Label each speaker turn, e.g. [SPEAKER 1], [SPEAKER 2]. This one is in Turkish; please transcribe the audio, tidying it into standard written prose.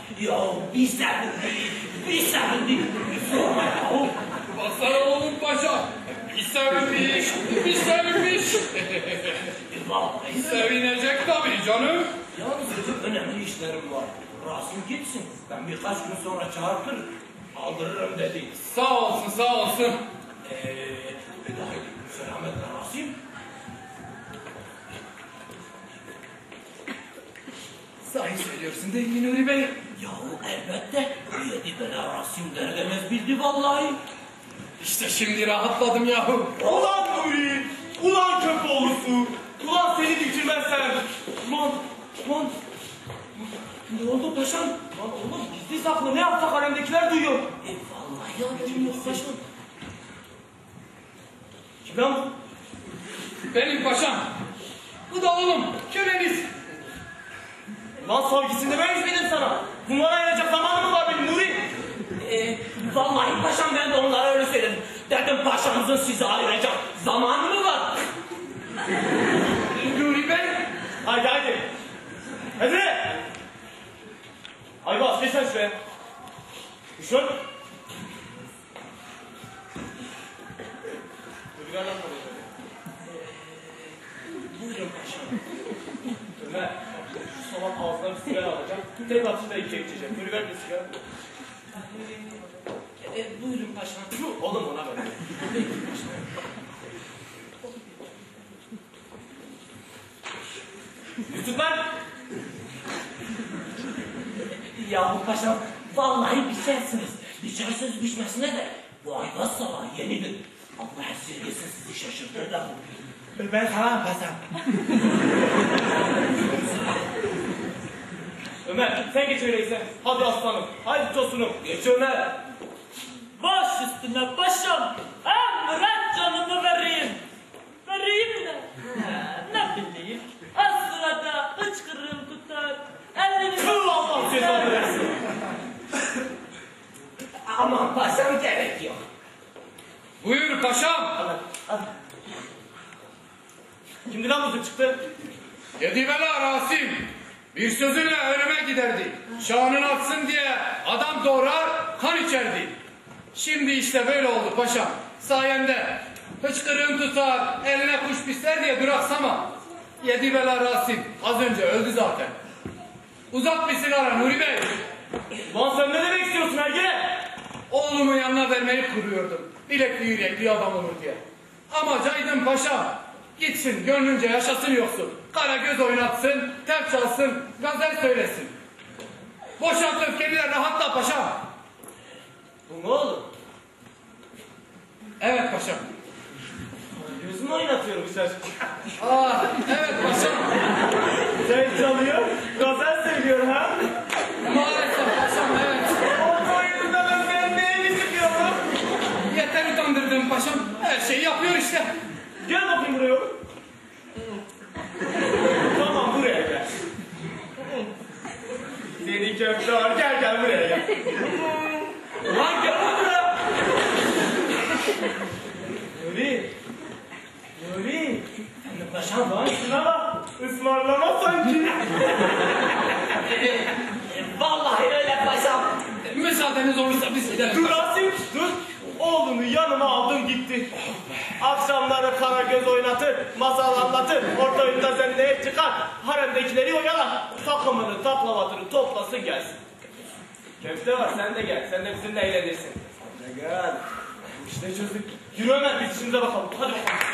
[SPEAKER 1] Ya bir sevindik. Sorma ya.
[SPEAKER 2] Baksana oğlum paşa. Bir sevinmiş.
[SPEAKER 1] Vallahi
[SPEAKER 2] Sevinecek tabii canım.
[SPEAKER 1] yalnız benim önemli işlerim var. Rasim gitsin. Ben birkaç gün sonra çağırtır. Aldırırım dedi.
[SPEAKER 2] Sağ olsun.
[SPEAKER 1] Selametle Rasim.
[SPEAKER 2] Sahi söylüyorsun değil mi Nuri Bey?
[SPEAKER 1] Yahu elbette. Yedi bela Rasim derdemez bildi vallahi.
[SPEAKER 2] İşte şimdi rahatladım yahu.
[SPEAKER 3] Ulan Nuri! Ulan Köpoğlusu! Ulan seni bitirmezsem! Ulan!
[SPEAKER 1] Ne oldu paşam?
[SPEAKER 3] Lan oğlum gizli saklı ne yapsak alemdekiler duyuyor.
[SPEAKER 1] Vallahi haberim yok paşam.
[SPEAKER 3] Kim lan bu?
[SPEAKER 2] Benim paşam. Bu da oğlum köleniz.
[SPEAKER 3] Lan savgisinde ben dedim sana. Bunlara ayıracak zamanım mı var benim Nuri?
[SPEAKER 1] Vallahi paşam ben de onlara öyle söyledim. Dedim paşamızın size ayıracak zamanı mı var?
[SPEAKER 2] Nuri Bey.
[SPEAKER 3] Haydi. Hadi! Aybaz geç sen şuraya. Düşün.
[SPEAKER 1] Buyurun paşam.
[SPEAKER 3] Ömer, şu salak ağzına bir sigara alacağım. Tek atışta ikiye geçeceğim. Nuri ver bir sigara.
[SPEAKER 1] Buyurun paşam.
[SPEAKER 3] Oğlum ona ver. Yusuf lan!
[SPEAKER 1] Yahu paşam vallahi biçersiniz. Biçersiniz biçmesine de bu Aybaz salağı yenidir. Allah esirgesin sizi şaşırtır da.
[SPEAKER 3] Ben sana paşam. Ömer sen geç öyleyse. Hadi aslanım. Hadi tosunum. Geç Ömer.
[SPEAKER 4] Baş üstüne paşam. Emret canımı vereyim. Vereyim de. Ne bileyim. Az sırada hıçkırığım tutar. Ellerim...
[SPEAKER 3] Kıl Allah cezanı versin.
[SPEAKER 1] Aman paşam gerek yok.
[SPEAKER 2] Buyur paşam.
[SPEAKER 3] Al. Kimdi lan bu çıktı?
[SPEAKER 2] Yedi bela Rasim. Bir sözüyle önüme giderdi. Şanını atsın diye adam doğrar, kan içerdi. Şimdi işte böyle oldu paşam. Sayende hıçkırığın tutar, eline kuş pisler diye duraksama. Yedi bela Rasim az önce öldü zaten. Uzat bir sigara Nuri Bey.
[SPEAKER 3] Lan sen ne demek istiyorsun Ergene?
[SPEAKER 2] Oğlumun yanına vermeyi kuruyordum. Bilekli yürekli adam olur diye. Ama caydım paşam. Gitsin gönlünce yaşasın yoksun. Kara göz oynatsın, tep çalsın, gazel söylesin. Boşalt öfkeni de rahatla paşam.
[SPEAKER 3] Bu ne oğlum?
[SPEAKER 2] Evet paşam.
[SPEAKER 3] Gözümü oynatıyor bu çocuk.
[SPEAKER 2] Evet paşam.
[SPEAKER 3] Sen çalıyor, gazel söylüyor ha?
[SPEAKER 2] Maalesef paşam evet.
[SPEAKER 3] O yüzünden ben senin neyini sıkıyorum?
[SPEAKER 2] Yeter utandırdın paşam. Her şeyi yapıyor işte.
[SPEAKER 3] Gel bakayım buraya oğlum. Tamam buraya gel. Seni köfte var gel buraya gel. Lan gel buraya. Nuri.
[SPEAKER 1] Paşam
[SPEAKER 3] Lan şuna bak. Ismarlama sanki.
[SPEAKER 1] vallahi öyle paşam.
[SPEAKER 2] Müsaadeniz olursa biz gidelim.
[SPEAKER 3] Dur Rasim dur. Oğlunu yanıma aldım gitti. Akşamları kara göz oynatır, masal anlatır, orta oyunda zenneye çıkar, haremdekileri oyalar, takımını, taklavatını toplasın gelsin. Köfte var sen de gel, sen de bizimle eğlenirsin. Sen de gel. İşte çözdük. Yürü Ömer biz işimize bakalım, hadi bakalım.